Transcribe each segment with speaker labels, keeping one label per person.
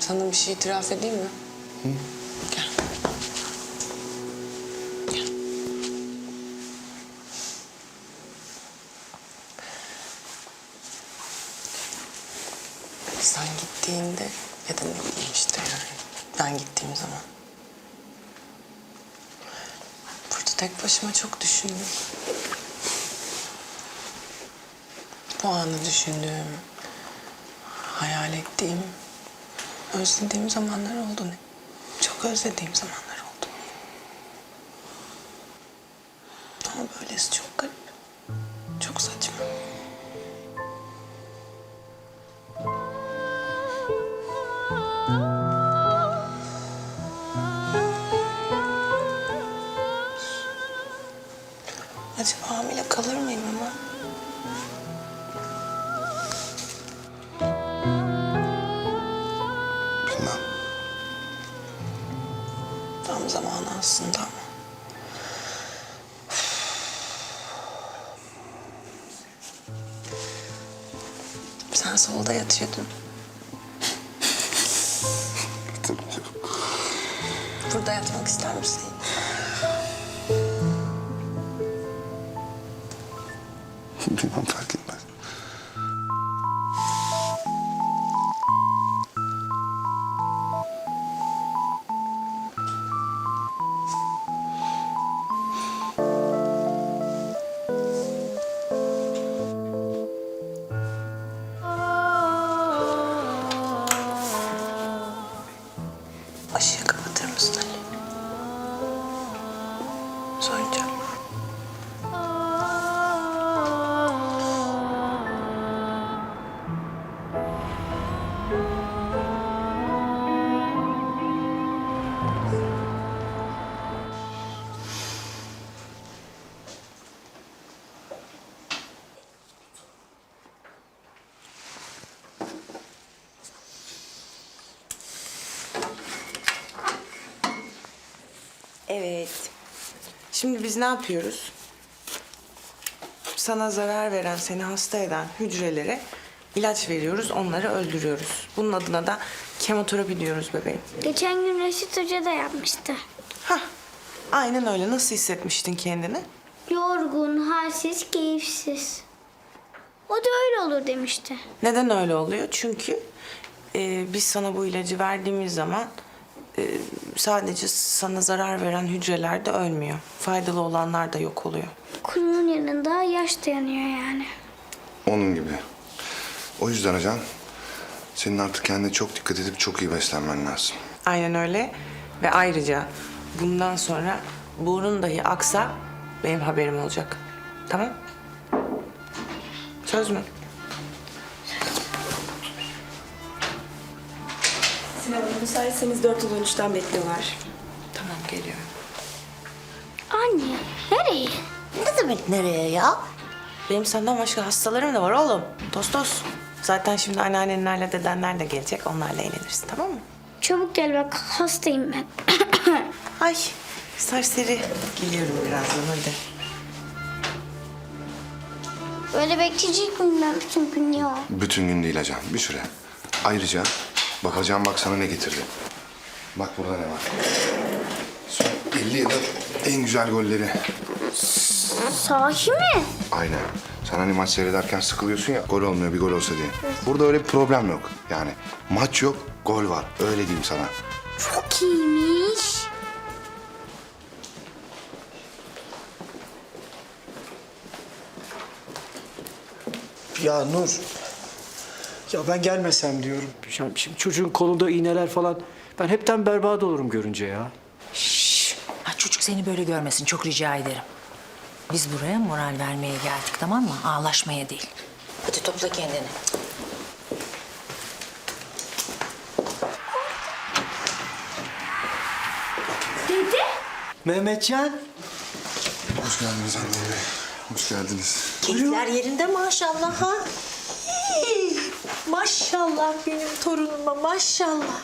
Speaker 1: Sana bir şey itiraf edeyim mi? Hı? Gel. Gel. Sen gittiğinde ya da ne bileyim işte yani ben gittiğim zaman. Burada tek başıma çok düşündüm. Bu anı düşündüğüm, hayal ettiğim, özlediğim zamanlar oldu. Çok özlediğim zamanlar oldu. Ama böylesi çok garip. Çok saçma. Acaba hamile kalır mıyım ama?
Speaker 2: Bilmem.
Speaker 1: Tam zamanı aslında ama. Sen solda yatıyordun. Burada yatmak ister misin?
Speaker 2: Bilmem, fark etmez.
Speaker 1: Işığı kapatır mısın Ali? Soyunca.
Speaker 3: Evet. Şimdi biz ne yapıyoruz? Sana zarar veren, seni hasta eden hücrelere ilaç veriyoruz, onları öldürüyoruz. Bunun adına da kemoterapi diyoruz bebeğim.
Speaker 4: Geçen gün Reşit Hoca da yapmıştı.
Speaker 3: Hah, aynen öyle. Nasıl hissetmiştin kendini?
Speaker 4: Yorgun, halsiz, keyifsiz. O da öyle olur demişti.
Speaker 3: Neden öyle oluyor? Çünkü biz sana bu ilacı verdiğimiz zaman sadece sana zarar veren hücreler de ölmüyor. Faydalı olanlar da yok oluyor.
Speaker 4: Kurunun yanında yaş dayanıyor yani.
Speaker 2: Onun gibi. O yüzden hocam, senin artık kendine çok dikkat edip çok iyi beslenmen lazım.
Speaker 3: Aynen öyle. Ve ayrıca bundan sonra burnun dahi aksa benim haberim olacak. Tamam? Söz mü?
Speaker 5: Sinan Hanım, müsaitseniz 413'ten bekliyorlar.
Speaker 3: Tamam, geliyorum.
Speaker 4: Anne, nereye?
Speaker 3: Ne demek nereye ya? Benim senden başka hastalarım da var oğlum. Tostos. Zaten şimdi anneannenlerle dedenler de gelecek. Onlarla eğlenirsin, tamam mı?
Speaker 4: Çabuk gel bak, hastayım ben.
Speaker 3: Ay serseri. Geliyorum birazdan, hadi.
Speaker 4: Böyle bekleyecek miyim ben bütün gün ya?
Speaker 2: Bütün gün değil hocam, bir süre. Ayrıca bakacağım, bak sana ne getirdi. Bak burada ne var. Son 50 yılın en güzel golleri.
Speaker 4: Sahi mi?
Speaker 2: Aynen. Sen hani maç seyrederken sıkılıyorsun ya, gol olmuyor, bir gol olsa diye. Burada öyle bir problem yok. Yani maç yok, gol var. Öyle diyeyim sana.
Speaker 4: Çok iyiymiş.
Speaker 6: Ya Nur. Ya ben gelmesem diyorum. Şimdi çocuğun kolunda iğneler falan. Ben hepten berbat olurum görünce ya.
Speaker 7: Ha, çocuk seni böyle görmesin, çok rica ederim. Biz buraya moral vermeye geldik, tamam mı? Ağlaşmaya değil. Hadi topla kendini.
Speaker 4: Dede?
Speaker 6: Mehmetcan.
Speaker 2: Hoş geldiniz anne bey. Hoş geldiniz.
Speaker 7: Keyifler yerinde maşallah ha. Hey, maşallah benim torunuma, maşallah.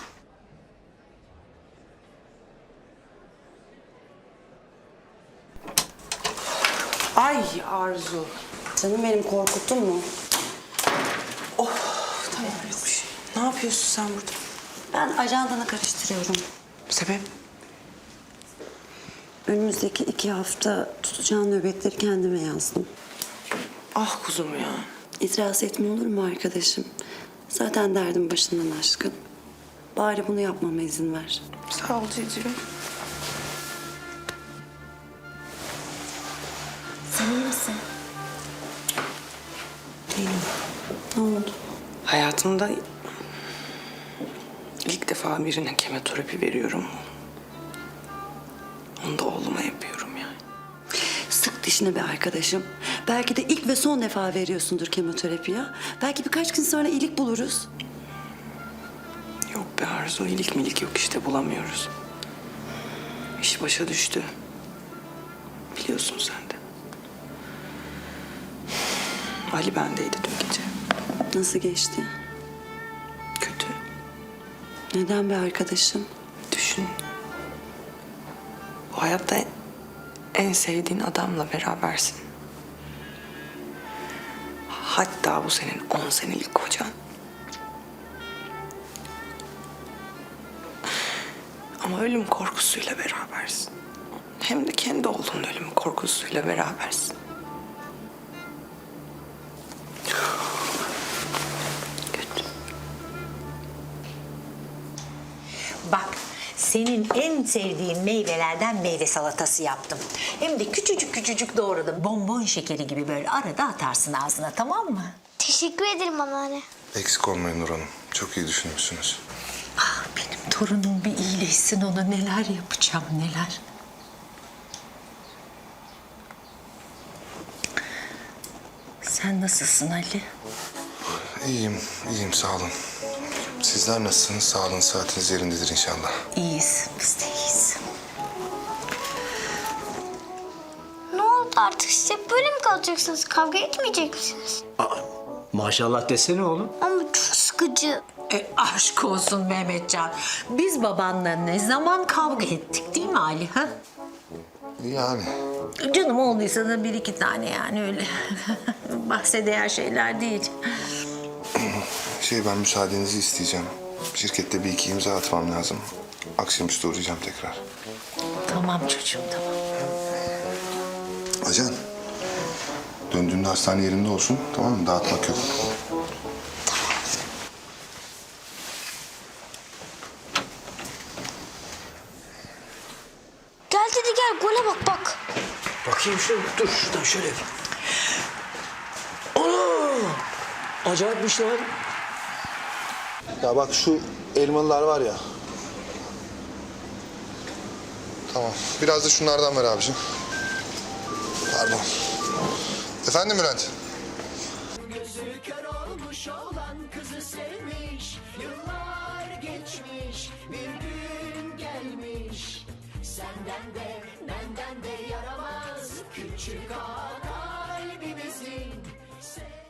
Speaker 3: Ay Arzu.
Speaker 5: Canım benim, korkuttun mu?
Speaker 3: Tamam, yok bir şey. Ne yapıyorsun sen burada?
Speaker 8: Ben ajandanı karıştırıyorum.
Speaker 1: Sebep?
Speaker 8: Önümüzdeki 2 hafta tutacağın nöbetleri kendime yazdım.
Speaker 3: Ah kuzum ya.
Speaker 8: İtiraz etme olur mu arkadaşım? Zaten derdim başından aşkın. Bari bunu yapmama izin ver.
Speaker 3: Sağ ol Cici'm.
Speaker 7: Sen iyi misin?
Speaker 8: Ne oldu?
Speaker 3: Hayatımda ilk defa birine kemoterapi veriyorum. Onu da oğluma yapıyorum yani.
Speaker 8: Sık dişine be arkadaşım. Belki de ilk ve son defa veriyorsundur kemoterapi ya. Belki birkaç gün sonra iyilik buluruz.
Speaker 3: Yok be Arzu, iyilik milik yok işte, bulamıyoruz. İş başa düştü. Biliyorsun sen de. Ali bendeydi dün gece.
Speaker 8: Nasıl geçti?
Speaker 3: Kötü.
Speaker 8: Neden be arkadaşım?
Speaker 3: Düşün. Bu hayatta en sevdiğin adamla berabersin. Hatta bu senin 10 senelik kocan. Ama ölüm korkusuyla berabersin. Hem de kendi oğlunun ölüm korkusuyla berabersin. Kötü.
Speaker 7: Bak, senin en sevdiğin meyvelerden meyve salatası yaptım. Hem de küçücük küçücük doğradım. Bonbon şekeri gibi böyle arada atarsın ağzına, tamam mı?
Speaker 4: Teşekkür ederim anneanne.
Speaker 2: Eksik olmayın Nur Hanım. Çok iyi düşünmüşsünüz.
Speaker 7: Ah, benim torunum bir iyileşsin, ona neler yapacağım neler. Sen nasılsın Ali?
Speaker 2: İyiyim, iyiyim sağ olun. Sizler nasılsınız? Sağlığınız, saatiniz yerindedir inşallah.
Speaker 7: İyiyiz, biz de iyiyiz.
Speaker 4: Ne oldu artık size? Böyle mi kalacaksınız? Kavga etmeyecek misiniz?
Speaker 6: Maşallah desene oğlum.
Speaker 4: Ama çok sıkıcı.
Speaker 7: Aşk olsun Mehmetcan. Biz babanla ne zaman kavga ettik değil mi Ali? Ha?
Speaker 2: Yani
Speaker 7: Canım olduysa da 1-2 tane yani öyle. Bahse değer şeyler değil.
Speaker 2: ben müsaadenizi isteyeceğim. Şirkette bir iki imza atmam lazım. Akşamüstü uğrayacağım tekrar.
Speaker 7: Tamam çocuğum, tamam.
Speaker 2: Ajan, döndüğünde hastane yerinde olsun, tamam mı? Dağıtmak yok.
Speaker 4: Gel dedi gel gole bak bak.
Speaker 6: Bakayım şöyle. Dur şuradan şöyle yapayım. Ana! Acayipmiş lan.
Speaker 2: Ya bak şu elmalılar var ya. Tamam. Biraz da şunlardan ver abiciğim. Pardon. Efendim Bülent?
Speaker 9: Gözü kör olmuş olan kızı sevmiş. Yıllar geçmiş, bir gün gelmiş. Senden de benden de yaramaz küçük ağa kalbimizin.